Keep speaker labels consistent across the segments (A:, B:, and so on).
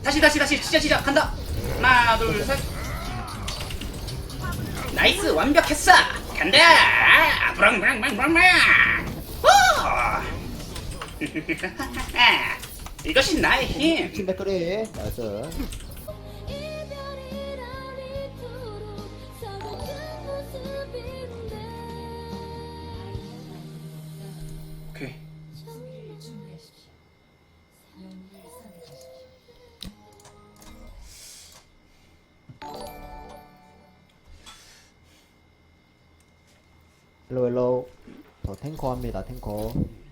A: 다시 시작 간다. 하나 둘 셋. 나이스 완벽했어. 간다. 브랑브랑브랑브랑. 이것이 나의 힘.
B: 팀 백거리 나이스.
A: 오케이.
B: 헬로 저 탱커 합니다. 탱커.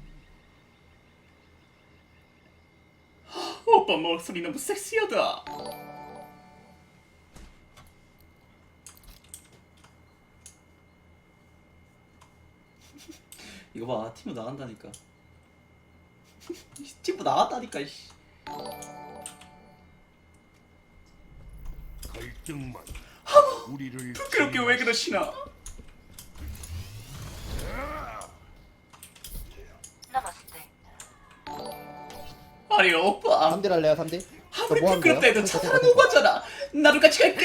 A: 오빠 목소리 너무 섹시하다. 이거 봐, 팀부 나간다니까. 팀부 나갔다니까. 씨.
C: 갈등만 우리를
A: 그렇게 왜 그러시나? 아니 오빠
B: 3딜 할래요 3딜?
A: 아무리
B: 뭐 하면
A: 부끄럽다
B: 돼요?
A: 해도
B: 탱커,
A: 사람
B: 탱커.
A: 오빠잖아. 나도 같이 갈게.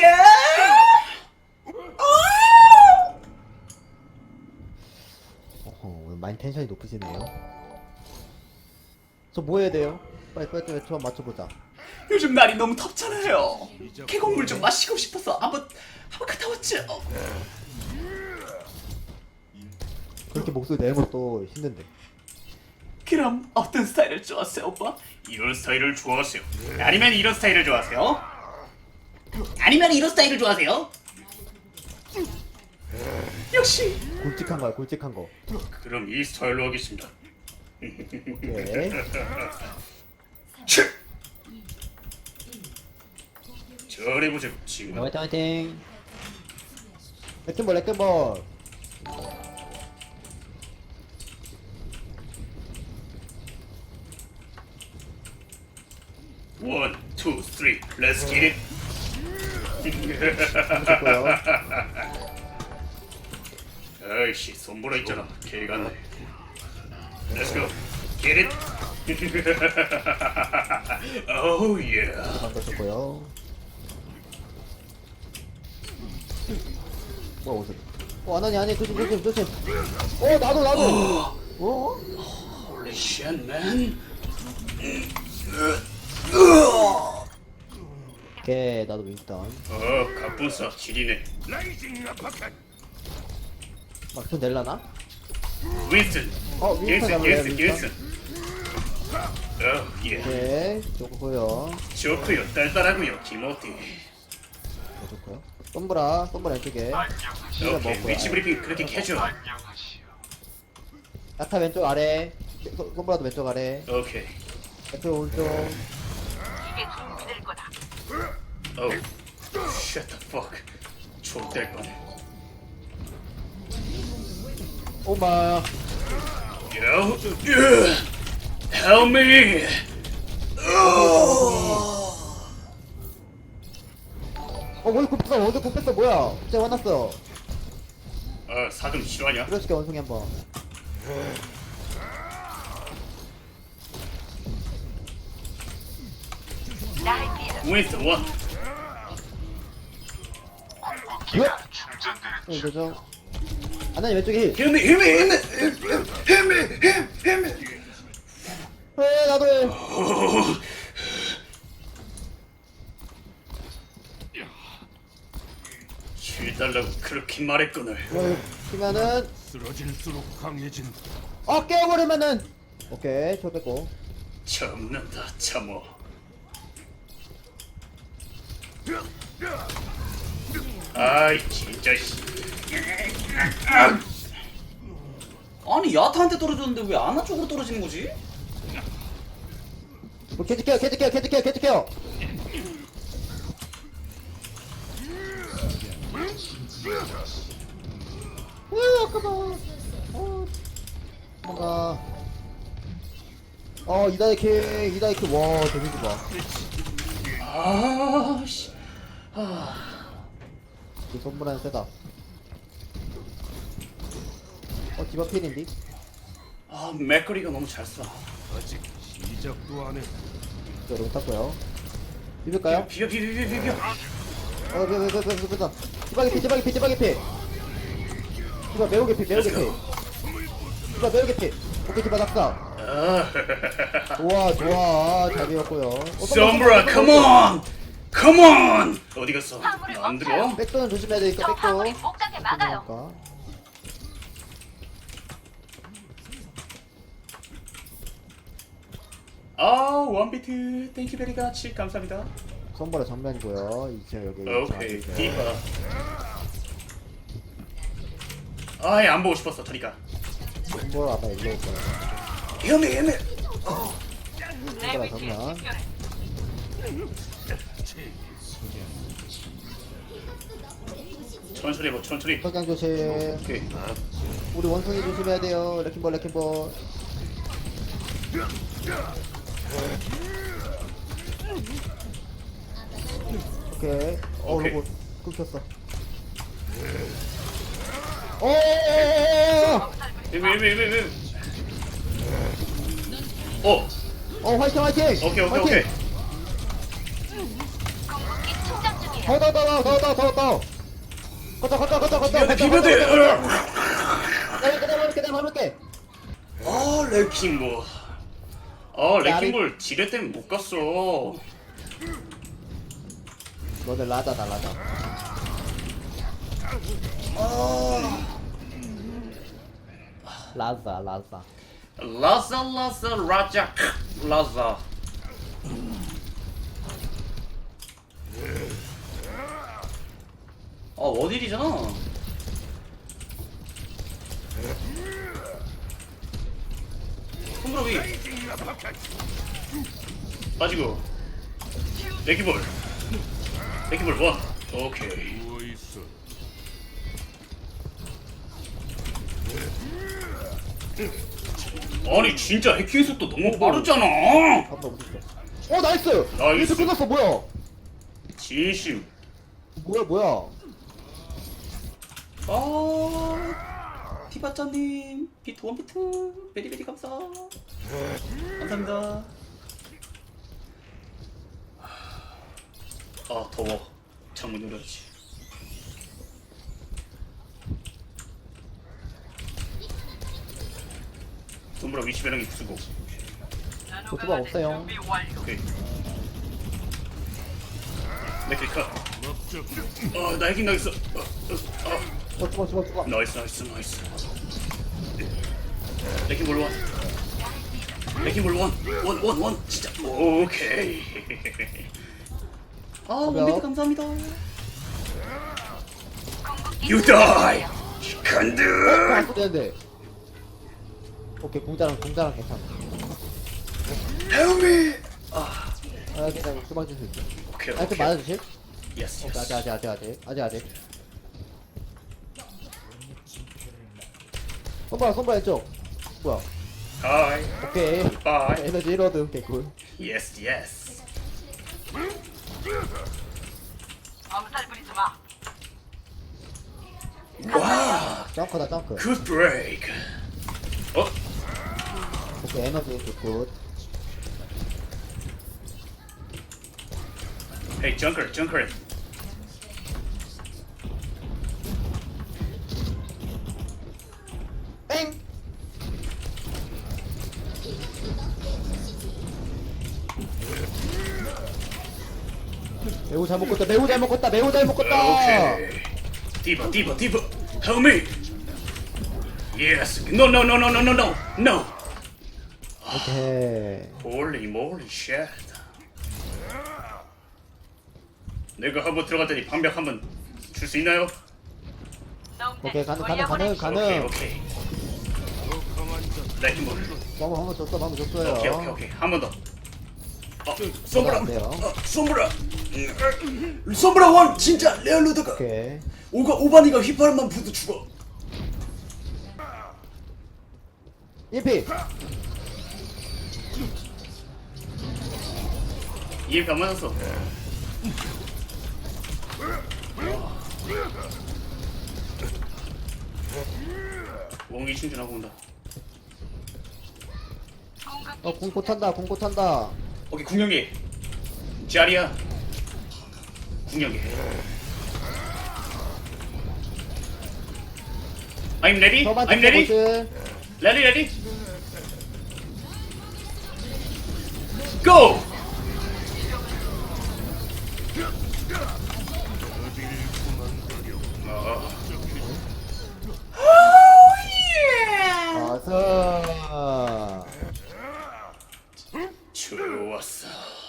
B: 어허, 오늘 많이 텐션이 높으시네요. 저 뭐 해야 돼요? 빨리 저 맞춰보자.
A: 요즘 날이 너무 덥잖아요. 계곡물 좀 마시고 싶어서 한번 갔다 왔죠.
B: 그렇게 목소리 내는 것도 힘든데.
A: 그럼 어떤 스타일을 좋아하세요, 오빠? 이런 스타일을 좋아하세요? 아니면 이런 스타일을 좋아하세요? 아니면 이런 스타일을 좋아하세요? 역시.
B: 굵직한 거야 굵직한 거.
A: 그럼 이 스타일로 하겠습니다.
B: 오케이.
A: 잘해보자고 친구.
B: 화이팅 화이팅. 레킹볼 레킹볼.
A: 원, 투, 쓰리, 렛츠 기 잇.
B: 좋고요.
A: 아이씨 손보라 있잖아. 개같네. Let's go. Get it. Oh yeah.
B: 방금 좋고요. 뭐야 옷을? 아니 조심. 나도. 어?
A: Holy shit, man.
B: 오케이 나도 윈스턴.
A: 갑분싸 지리네.
C: 라이징 아파트
B: 막좀 낼라나?
A: 윈슨.
B: 윈스턴 잡을래요
A: 윈슨.
B: 윈스턴?
A: 예.
B: 오케이 좋고요.
A: 좋고요. 딸딸하고요. 김어디.
B: 좋고요. 솜브라 왼쪽에. 진짜
A: 오케이.
B: 먹고요.
A: 위치 브리핑 그렇게 캐줘.
B: 야타 왼쪽 아래. 솜브라도 왼쪽 아래.
A: 오케이.
B: 왼쪽 오른쪽.
A: Oh. Shut the fuck. 족될 뻔해.
B: 오마.
A: Yo. Help me.
B: 원kup했어 뭐야? 진짜 화났어.
A: 사금 싫어하냐?
B: 그러시게 원숭이 한번.
A: 윈슨 원.
B: 이거죠. 아나니 왼쪽에 힐.
A: 힘이.
B: 나도 해.
A: 쉴달라고 그렇게 말했거늘.
B: 키면은
C: 쓰러질수록 강해진다.
B: 깨워버리면은. 오케이 저 뺐고.
A: 참는다 참어. 아이 진짜 씨. 아니 야타한테 떨어졌는데 왜 아나 쪽으로 떨어지는 거지?
B: 캐치 케어. 아까봐. 뭔가. 이다이킥 와 데미지 봐.
A: 아씨.
B: 이 손브라는 세다. 디바 필인디?
A: 맥거리가 너무 잘 써.
C: 아직 시작도 안 해.
B: 저 롱 탔고요. 비빌까요?
A: 비벼.
B: 디바 개피. 디바 매우 개피. 디바 매우 개피. 오케이, 디바 낙사. 좋아. 잘 비웠고요.
A: 썸브라, 컴온. 어디 갔어? 안 들어?
B: 백도는 조심해야 되니까,
D: 저
B: 백도.
D: 화물이 목장에 막아요.
B: 그러니까.
A: 원비트 땡큐 베리 가치 감사합니다.
B: 선보라 정면이고요. 이제 여기.
A: 오케이,
B: 정확히
A: 디바. 아예 안 보고 싶었어, 저리가.
B: 선보라 아마 일로 올 거야.
A: 헤매.
B: 선보라 정면.
A: 천천히 해봐, 천천히.
B: 석양 조심.
A: 오케이.
B: 우리 원숭이 조심해야 돼요. 레킹볼. 오케이.
A: 오케이.
B: 로봇 끊겼어.
A: 왜.
B: 화이팅.
A: 오케이.
D: 궁극기 충전 중이에요.
B: 더. 걷다.
A: 비벼대.
B: 깨달아볼게.
A: 레킹볼. 레킹볼 지뢰 때문에 못 갔어.
B: 너네 라자다. 라자.
A: 라자. 원일이잖아. 손브라비 빠지고 레킹볼 1. 오케이.
C: 누워 있어.
A: 아니 진짜 해킹 속도 너무 빠르잖아.
B: 한번 웃었어. 나이스.
A: 나이스.
B: 이렇게 끝났어. 뭐야?
A: 진심.
B: 뭐야?
A: 피바짜님 비트 원비트 베리베리 감사합니다. 더워. 창문 열어야지. 손브라 위치 배랑이 부수고.
B: 도트박 없어요.
A: 오케이. 맥클 컷.
C: 목적
A: 나 해킹 당했어.
B: 도트박.
A: 나이스. 레킹볼 1 진짜. 오케이. 원비트 감사합니다. You die. 간드.
B: 안 되는데. 오케이, 공자랑 괜찮아.
A: Help me.
B: 괜찮아. 수박 줄수 있어.
A: 오케이.
B: 좀 맞아주실?
A: Yes.
B: 오케이, 아직. 손발 왼쪽. 뭐야?
A: Hi.
B: 오케이.
A: Bye.
B: 에너지 로드. 개꿀.
A: Yes.
D: 엄살 부리지 마.
A: 와.
B: 점프.
A: Good break.
B: 오케이, 에너지 개꿀.
A: Hey, Junker.
B: 땡! 매우 잘 먹었다.
A: Okay. Diva. Help me. Yes. No.
B: 오케이.
A: Holy moly shit. 내가 한번 들어갔더니 방벽 한번 줄 수 있나요?
B: 오케이, 가능.
A: 오케이. 레킹볼.
B: 방금 줬어요.
A: 오케이. 한 번 더.
B: 안 돼요.
A: 솜브라 원 진짜 레알루드가.
B: 오케이.
A: 오바니가 휘파람만 부도 죽어.
B: 1피.
A: EMP 안 맞았어. 원기 충전하고 온다.
B: 공고 탄다.
A: 오케이, 궁경기. 자리야. 중요해. I'm ready.
B: 저만
A: I'm ready.
B: 보스.
A: Ready, ready. Go.
B: 아서.
A: 좋았어.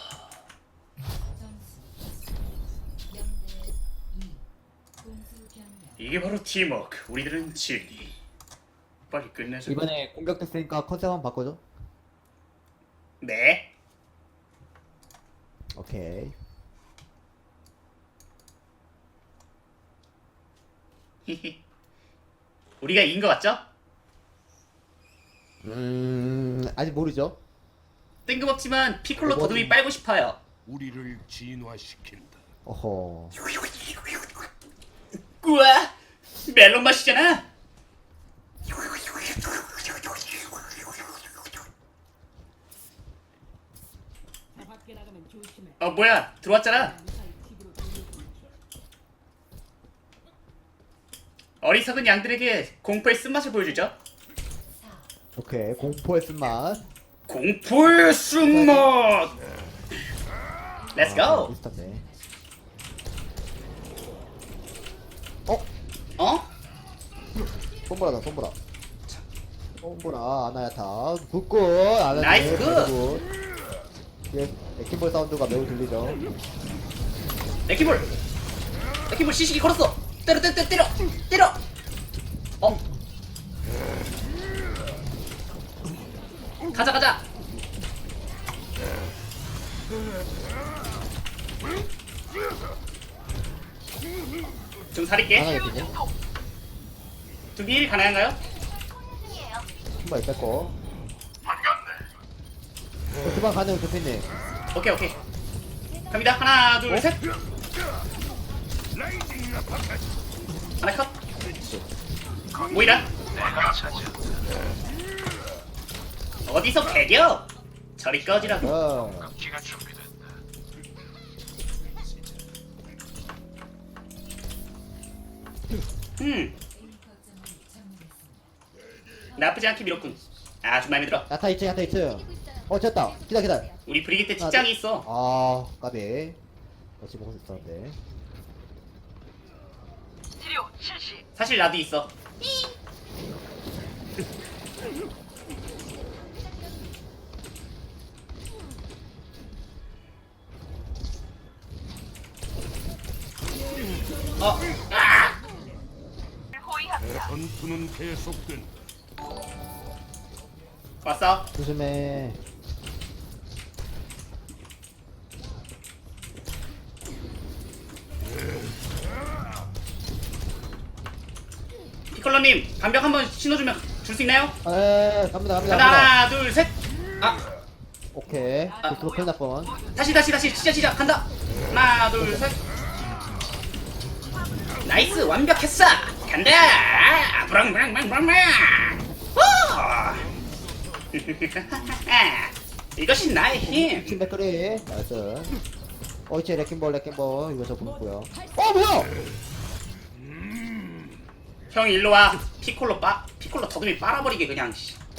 A: 이게 바로 팀워크. 우리들은 진리. 빨리 끝내자.
B: 이번에 공격됐으니까 컨셉 한번 바꿔줘.
A: 네.
B: 오케이.
A: 우리가 이긴 거 맞죠?
B: 아직 모르죠.
A: 뜬금없지만 피콜로
B: 이건-
A: 더듬이 빨고 싶어요.
C: 우리를 진화시킨다.
B: 어허.
A: 우와, 멜론 맛이잖아. 뭐야, 들어왔잖아. 어리석은 양들에게 공포의 쓴맛을 보여주죠.
B: 오케이. 공포의 쓴맛.
A: 공포의 쓴맛. Let's go.
B: 비슷한데.
A: 어?
B: 손보라다, 손보라. 손보라, 아나야타. 굿굿. 아나야타.
A: 나이스 굿.
B: 예, 에킹볼 사운드가 매우 들리죠.
A: 레키볼. 레키볼 시식이 걸었어. 때려, 때려, 때려, 때려. 가자, 가자. 좀 살릴게.
B: 아나야타네.
A: 두빌 가능한가요?
D: 중이에요.
B: 신발 뺐고. 주방 가능 좋겠네.
A: 오케이, 오케이. 갑니다. 하나, 둘, 셋. 하나 컷. 모이라. 어디서 배겨? 저리 꺼지라고.
B: 어.
A: 나쁘지 않게 밀었군. 아주 마음에 들어.
B: 야타 2층, 야타 2층. 됐다. 기다려.
A: 우리 브리기테 직장이 있어.
B: 아, 까비. 역시 먹을 수 있었는데.
D: 치료 실시.
A: 사실 나도 있어.
D: 호위합니다.
C: 전투는 계속된다.
A: 왔어.
B: 조심해.
A: 피콜로님 반벽 한번 신어주면 줄 수 있나요?
B: 갑니다, 갑니다,
A: 하나,
B: 갑니다.
A: 하나, 둘, 셋. 아,
B: 오케이. 비스로 큰일 날 뻔.
A: 다시 시작 간다. 하나, 둘, 셋. 나이스, 완벽했어. 간다. 브랑브랑브랑브랑. 이것이 나의 힘.
B: 팀 백거리. 나이스. 이제 레킹볼. 이거 저 보고요. 뭐야?
A: 형 일로 와. 피콜로 더듬이 빨아버리게 그냥.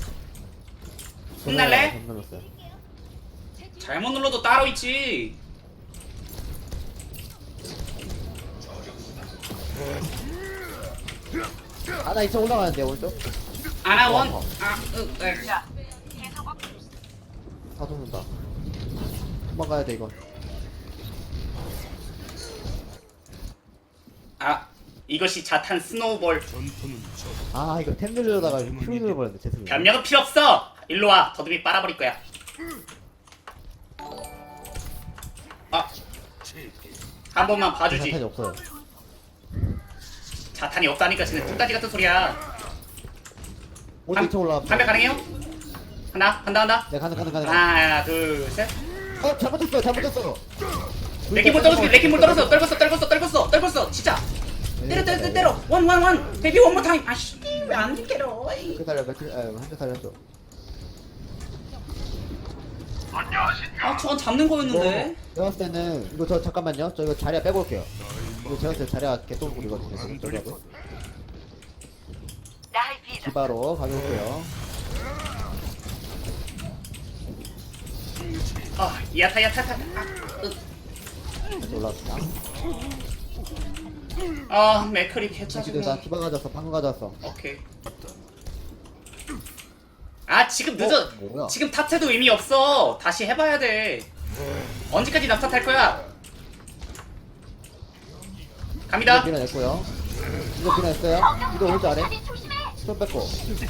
A: 혼날래?
B: 못 눌렀어요.
A: 잘못 눌러도 따로 있지.
B: 나 2층 올라가는데, 오른쪽?
A: 아나원.
D: 자, 계속
B: 다 죽는다. 도망가야 돼, 이건.
A: 이것이 자탄 스노우볼.
C: 전투는 저
B: 이거 템 누르려다가 큐 눌러버렸네, 죄송해요.
A: 변명은 필요 없어. 일로 와. 더듬이 빨아버릴 거야.
C: 체계.
A: 한 번만
B: 자탄이
A: 봐주지.
B: 없어요.
A: 자탄이 없다니까 쟤는 뚝딱지 같은 소리야.
B: 오른쪽 2층 올라가.
A: 반백 가능해요? 간다.
B: 네, 가능.
A: 하나, 둘, 셋.
B: 잘못했어.
A: 레킹볼 떨궜어. 레킹볼 떨궜어. 진짜. 때려. 원. 베이비 원모 타임. 아씨, 왜 안 때려?
B: 한대 살렸어.
A: 아 저건 잡는 거였는데.
B: 제가 봤을 때는 이거 저 잠깐만요. 저 이거 자리야 빼고 올게요. 이거 제가 봤을 때 자리야 개똥불이거든요. 지금 저기하고
D: 나의 비다.
B: 디바로 가져올게요.
A: 아 야타.
B: 다시 올라왔습니다.
A: 아 맥크리
B: 지금 나
A: 개짜증나.
B: 디바 가져왔어. 방금 가져왔어.
A: 오케이. 아 지금 늦어.
B: 뭐야?
A: 지금 탓해도 의미 없어. 다시 해봐야 돼. 언제까지 낙탓할 거야?
B: 이거
A: 갑니다.
B: 밀어냈고요. 이거 밀어냈어요. 이거 오른쪽 아래. 손 뺏고.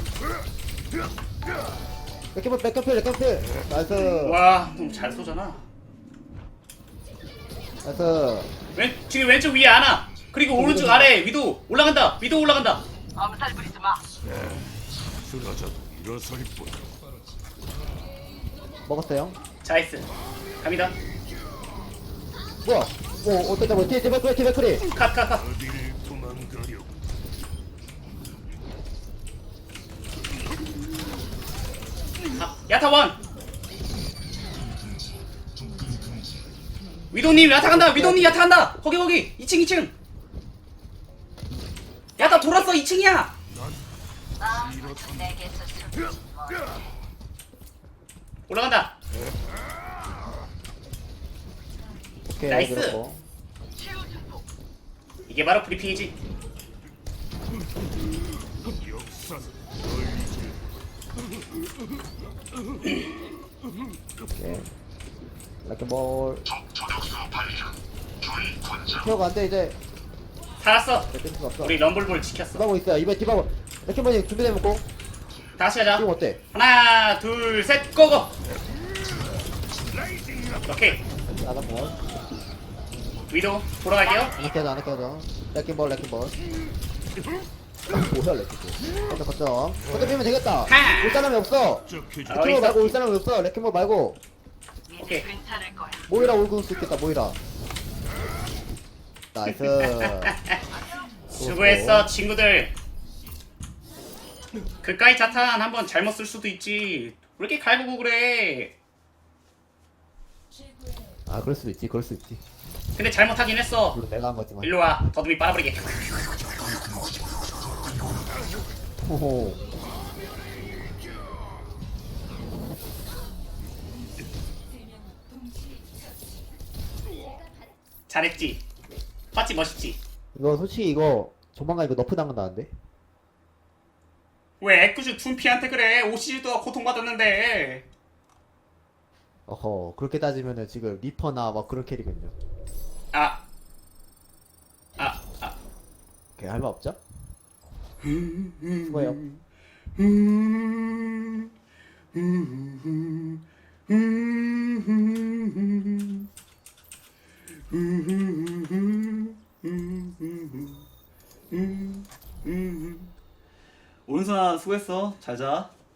B: 백캠필. 나이스.
A: 와 너무 잘 쏘잖아.
B: 나이스.
A: 지금 왼쪽 위에 하나. 그리고 오른쪽 아래 위도 올라간다.
D: 엄살 부리지 마.
C: 쓰러져도 일어설 뿐.
B: 먹었어요.
A: 자이스. 갑니다.
B: 뭐야? 어떻게 뭐 뒤에 디베크리.
A: 컷.
C: 어디를 도망가려.
A: 야타 원. 위도님 야타 간다. 거기 2층. 야타 돌았어 2층이야.
D: 내게서 숨지 뭐.
A: 올라간다.
B: 오케이.
A: 나이스.
B: 밀었고.
D: 치유 증폭.
A: 이게 바로 브리핑이지.
C: 역사
B: 오케이. 라켓볼. 태워가 안돼 이제.
A: 살았어.
B: 뺄 수가 없어.
A: 우리 럼블볼 지켰어.
B: 디바고 있어요. 이번 디바고. 라켓볼이 준비되면 고.
A: 다시 하자.
B: 지금 어때?
A: 하나 둘 셋 고고. 오케이.
B: 나가고.
A: 위도 돌아갈게요.
B: 안 깨져. 라켓볼. 뭐야 라켓볼. 거점. 거점 되겠다.
A: 하!
B: 올 사람이 없어.
C: 적해줘.
A: 어디
B: 레켓볼
A: 있어?
B: 말고 올 사람이 없어. 레켓볼 말고.
A: 오케이.
D: 괜찮을 거야.
B: 모이라 올고 수 있겠다. 모이라. 나이스.
A: 수고했어 친구들. 그까이 자탄 한번 잘못 쓸 수도 있지. 왜 이렇게 갈구고 그래?
B: 아 그럴 수도 있지.
A: 근데 잘못하긴 했어.
B: 물론 내가 한 거지만.
A: 일로 와. 더듬이 빨아버리게.
B: 호호.
A: 잘했지. 봤지 멋있지.
B: 이거 솔직히 이거 조만간 이거 너프 당한다는데.
A: 왜 애꿎이 둔피한테 그래? 오시즈도 고통받았는데.
B: 어허 그렇게 따지면은 지금 리퍼나 막 그런 캐릭은요.
A: 아.
B: 걔 할 말 없죠? 수고해요.
A: 오은사 수고했어. 잘 자.